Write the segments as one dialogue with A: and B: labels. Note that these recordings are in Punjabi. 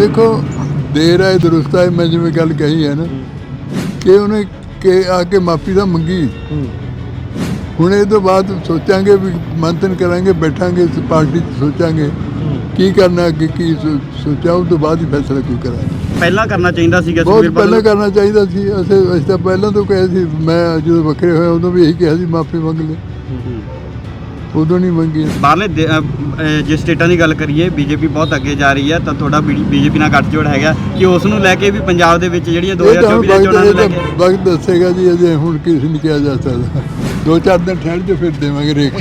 A: देखो देर आए दुरुस्त आए, मैं जिवें गल कही है ना कि उन्हें के आके माफ़ी तो मंगी। हुण ये तो बाद सोचांगे भी मंथन करांगे, बैठांगे इस पार्टी सोचांगे की करना अगे की सोचा, उस तो बाद ही फैसला कोई करांगे।
B: ਪਹਿਲਾਂ ਕਰਨਾ ਚਾਹੀਦਾ ਸੀਗਾ
A: बहुत
B: ਸੁਖਬੀਰ
A: पहले
B: ਬਾਦਲ
A: करना चाहिए सी। ਅਸੀਂ ਤਾਂ ਪਹਿਲਾਂ ਤੋਂ ਕਹੇ ਸੀ, मैं जो ਵੱਖਰੇ ਹੋਏ ਉਦੋਂ ਵੀ ਇਹੀ ਕਿਹਾ ਸੀ ਮਾफ़ी ਮੰਗ ਲੈ, ਉਦੋਂ ਨਹੀਂ ਮੰਗੀ।
B: ਬਾਹਰਲੇ ਜੇ ਸਟੇਟਾਂ ਦੀ ਗੱਲ ਕਰੀਏ ਬੀਜੇਪੀ ਬਹੁਤ ਅੱਗੇ ਜਾ ਰਹੀ ਹੈ ਤਾਂ ਤੁਹਾਡਾ ਬੀਜੇਪੀ ਨਾਲ ਗੱਠਜੋੜ ਹੈਗਾ ਕਿ ਉਸ ਨੂੰ ਲੈ ਕੇ ਵੀ ਪੰਜਾਬ ਦੇ ਵਿੱਚ ਜਿਹੜੀਆਂ 2024 ਦੀਆਂ ਚੋਣਾਂ ਨੂੰ ਲੈ ਕੇ
A: ਵਕਤ ਦੱਸੇਗਾ ਜੀ, ਅਜੇ ਹੁਣ ਕਿਸੇ ਨਹੀਂ ਕਿਹਾ ਜਾ ਸਕਦਾ। 2-4 ਦਿਨ ਠਹਿਰ ਜੋ ਫਿਰ ਦੇਵਾਂਗੇ ਰੇਖ।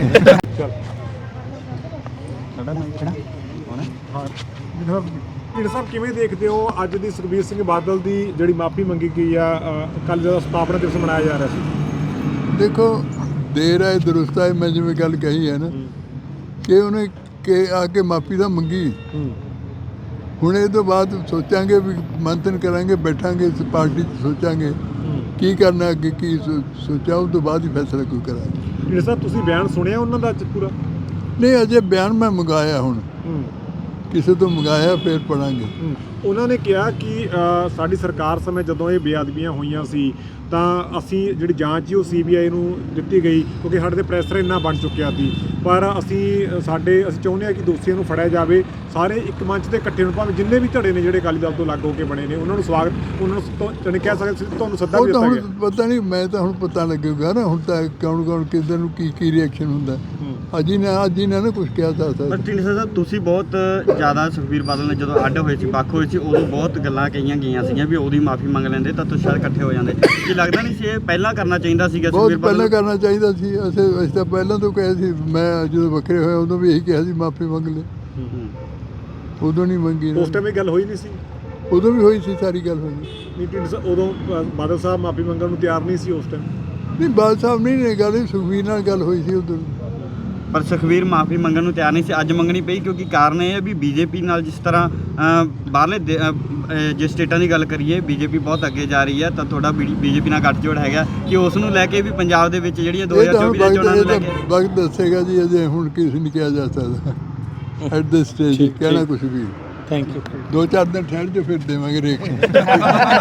C: ਢੀਂਡਸਾ ਸਾਹਿਬ ਕਿਵੇਂ ਦੇਖਦੇ ਹੋ ਅੱਜ ਦੀ ਸੁਖਬੀਰ ਸਿੰਘ ਬਾਦਲ ਦੀ ਜਿਹੜੀ ਮਾਫੀ ਮੰਗੀ ਗਈ ਆ? ਕੱਲ ਜਦੋਂ ਸਥਾਪਨਾ ਦਿਵਸ ਮਨਾਇਆ ਜਾ ਰਿਹਾ ਸੀ।
A: ਦੇਖੋ ਦੇਰ ਆਏ ਦੁਰੁਸਤ ਆਏ, ਮੈਂ ਜਿਵੇਂ ਗੱਲ ਕਹੀ ਹੈ ਨਾ ਕਿ ਉਹਨੇ ਕਿ ਆ ਕੇ ਮਾਫੀ ਤਾਂ ਮੰਗੀ। ਹੁਣ ਇਹ ਤੋਂ ਬਾਅਦ ਸੋਚਾਂਗੇ ਵੀ ਮੰਥਨ ਕਰਾਂਗੇ, ਬੈਠਾਂਗੇ ਇਸ ਪਾਰਟੀ 'ਚ ਸੋਚਾਂਗੇ ਕੀ ਕਰਨਾ ਅੱਗੇ ਕੀ ਸੋਚਾ, ਉਸ ਤੋਂ ਬਾਅਦ ਹੀ ਫੈਸਲਾ ਕੋਈ ਕਰਾਂਗੇ।
C: ਢੀਂਡਸਾ ਸਾਹਿਬ ਤੁਸੀਂ ਬਿਆਨ ਸੁਣਿਆ ਉਹਨਾਂ ਦਾ ਅੱਜ ਪੂਰਾ?
A: ਨਹੀਂ, ਅਜੇ ਬਿਆਨ ਮੈਂ ਮੰਗਾਇਆ, ਹੁਣ ਕਿਸੇ ਤੋਂ ਮੰਗਾਇਆ, ਫਿਰ ਪੜਾਂਗੇ।
C: ਉਹਨਾਂ ਨੇ ਕਿਹਾ ਕਿ ਸਾਡੀ ਸਰਕਾਰ ਸਮੇਂ ਜਦੋਂ ਇਹ ਬੇਅਦਬੀਆਂ ਹੋਈਆਂ ਸੀ ਤਾਂ ਅਸੀਂ ਜਿਹੜੀ ਜਾਂਚ ਸੀ ਉਹ CBI ਨੂੰ ਦਿੱਤੀ ਗਈ ਕਿਉਂਕਿ ਸਾਡੇ ਤੇ ਪ੍ਰੈਸ਼ਰ ਇੰਨਾ ਬਣ ਚੁੱਕਿਆ ਸੀ, ਪਰ ਅਸੀਂ ਚਾਹੁੰਦੇ ਹਾਂ ਕਿ ਦੋਸ਼ੀਆਂ ਨੂੰ ਫੜਿਆ ਜਾਵੇ। ਸਾਰੇ ਇੱਕ ਮੰਚ ਤੇ ਇਕੱਠੇ ਹੋਣ, ਭਾਵੇਂ ਜਿੰਨੇ ਵੀ ਧੜੇ ਨੇ ਜਿਹੜੇ ਅਕਾਲੀ ਦਲ ਤੋਂ ਲੱਗ ਹੋ ਕੇ ਬਣੇ ਨੇ, ਉਹਨਾਂ ਨੂੰ ਸਵਾਗਤ, ਉਹਨਾਂ ਨੂੰ ਕਹਿ ਸਕਦੇ ਤੁਹਾਨੂੰ ਸੱਦਾ ਵੀ
A: ਉਹ ਤਾਂ
C: ਦਿੱਤਾ
A: ਹੁਣ
C: ਗਿਆ।
A: ਪਤਾ ਨਹੀਂ, ਮੈਂ ਤਾਂ ਹੁਣ ਪਤਾ ਲੱਗੇਗਾ ਨਾ, ਹੁਣ ਤਾਂ ਕੌਣ ਕਿਸ ਨੂੰ ਕੀ ਰਿਐਕਸ਼ਨ ਹੁੰਦਾ। ਅੱਜ ਹੀ ਨਾ ਕੁਝ ਕਿਹਾ ਜਾ ਸਕਦਾ।
B: ਪਰ ਢੀਂਡਸਾ ਸਾਹਿਬ ਤੁਸੀਂ ਬਹੁਤ ਜ਼ਿਆਦਾ ਸੁਖਬੀਰ ਬਾਦਲ ਨੇ ਜਦੋਂ ਅੱਡ ਹੋਏ ਸੀ, ਵੱਖ ਹੋਏ ਸੀ, ਉਦੋਂ ਬਹੁਤ ਗੱਲਾਂ ਕਹੀਆਂ ਗਈਆਂ ਸੀਗੀਆਂ ਵੀ ਉਹਦੀ ਮਾਫੀ ਮੰਗ ਲੈਂਦੇ ਤਾਂ ਤੁਸੀਂ ਸ਼ਾਇਦ ਇਕੱਠੇ ਹੋ ਜਾਂਦੇ। ਕੀ ਲੱਗਦਾ ਨਹੀਂ ਸੀ ਇਹ ਪਹਿਲਾਂ ਕਰਨਾ ਚਾਹੀਦਾ ਸੀਗਾ
A: ਬਹੁਤ
B: ਸੁਖਬੀਰ
A: ਪਹਿਲਾਂ
B: ਬਾਦਲ?
A: ਕਰਨਾ ਚਾਹੀਦਾ ਸੀ। ਅਸੀਂ ਤਾਂ ਪਹਿਲਾਂ ਤੋਂ ਕਹੇ ਸੀ, ਮੈਂ ਜਦੋਂ ਵੱਖਰੇ ਹੋਏ ਉਦੋਂ ਵੀ ਇਹੀ ਕਿਹਾ ਸੀ ਮਾਫੀ ਮੰਗ ਲੈ, ਉਦੋਂ ਨਹੀਂ ਮੰਗੀ।
C: ਉਸ ਟਾਈਮ ਇਹ ਗੱਲ ਹੋਈ ਨਹੀਂ ਸੀ?
A: ਉਦੋਂ ਵੀ ਹੋਈ ਸੀ, ਸਾਰੀ ਗੱਲ ਹੋਈ।
C: ਨਹੀਂ ਢੀਂਡਸਾ ਉਦੋਂ ਬਾਦਲ ਸਾਹਿਬ ਮਾਫੀ ਮੰਗਣ ਨੂੰ ਤਿਆਰ ਨਹੀਂ ਸੀ ਉਸ ਟਾਈਮ?
A: ਨਹੀਂ, ਬਾਦ ਸਾਹਿਬ ਨਹੀਂ ਗੱਲ, ਸੁਖਬੀਰ ਨਾਲ ਗੱਲ ਹੋਈ ਸੀ ਉਦੋਂ।
B: ਪਰ ਸੁਖਬੀਰ ਮਾਫੀ ਮੰਗਣ ਨੂੰ ਤਿਆਰ ਨਹੀਂ ਸੀ, ਅੱਜ ਮੰਗਣੀ ਪਈ ਕਿਉਂਕਿ ਕਾਰਨ ਇਹ ਹੈ ਵੀ ਬੀਜੇਪੀ ਨਾਲ ਜਿਸ ਤਰ੍ਹਾਂ ਬਾਹਰਲੇ ਜੇ ਸਟੇਟਾਂ ਦੀ ਗੱਲ ਕਰੀਏ ਬੀਜੇਪੀ ਬਹੁਤ ਅੱਗੇ ਜਾ ਰਹੀ ਹੈ ਤਾਂ ਤੁਹਾਡਾ ਬੀਜੇਪੀ ਨਾਲ ਗੱਠਜੋੜ ਹੈਗਾ ਕਿ ਉਸ ਨੂੰ ਲੈ ਕੇ ਵੀ ਪੰਜਾਬ ਦੇ ਵਿੱਚ ਜਿਹੜੀਆਂ 2024 ਦੀਆਂ ਚੋਣਾਂ ਨੂੰ ਲੈ ਕੇ
A: ਵਕਤ ਦੱਸੇਗਾ ਜੀ, ਅਜੇ ਹੁਣ ਕਿਸੇ ਨਹੀਂ ਕਿਹਾ ਜਾ ਸਕਦਾ। ਐਟ ਦਿਸ ਸਟੇਜ ਕਹਿਣਾ ਕੁਝ ਵੀ।
D: Thank you.
A: 2-4 ਦਿਨ ਠਹਿਰ ਜੋ ਫਿਰ ਦੇਵਾਂਗੇ ਰੇਖ।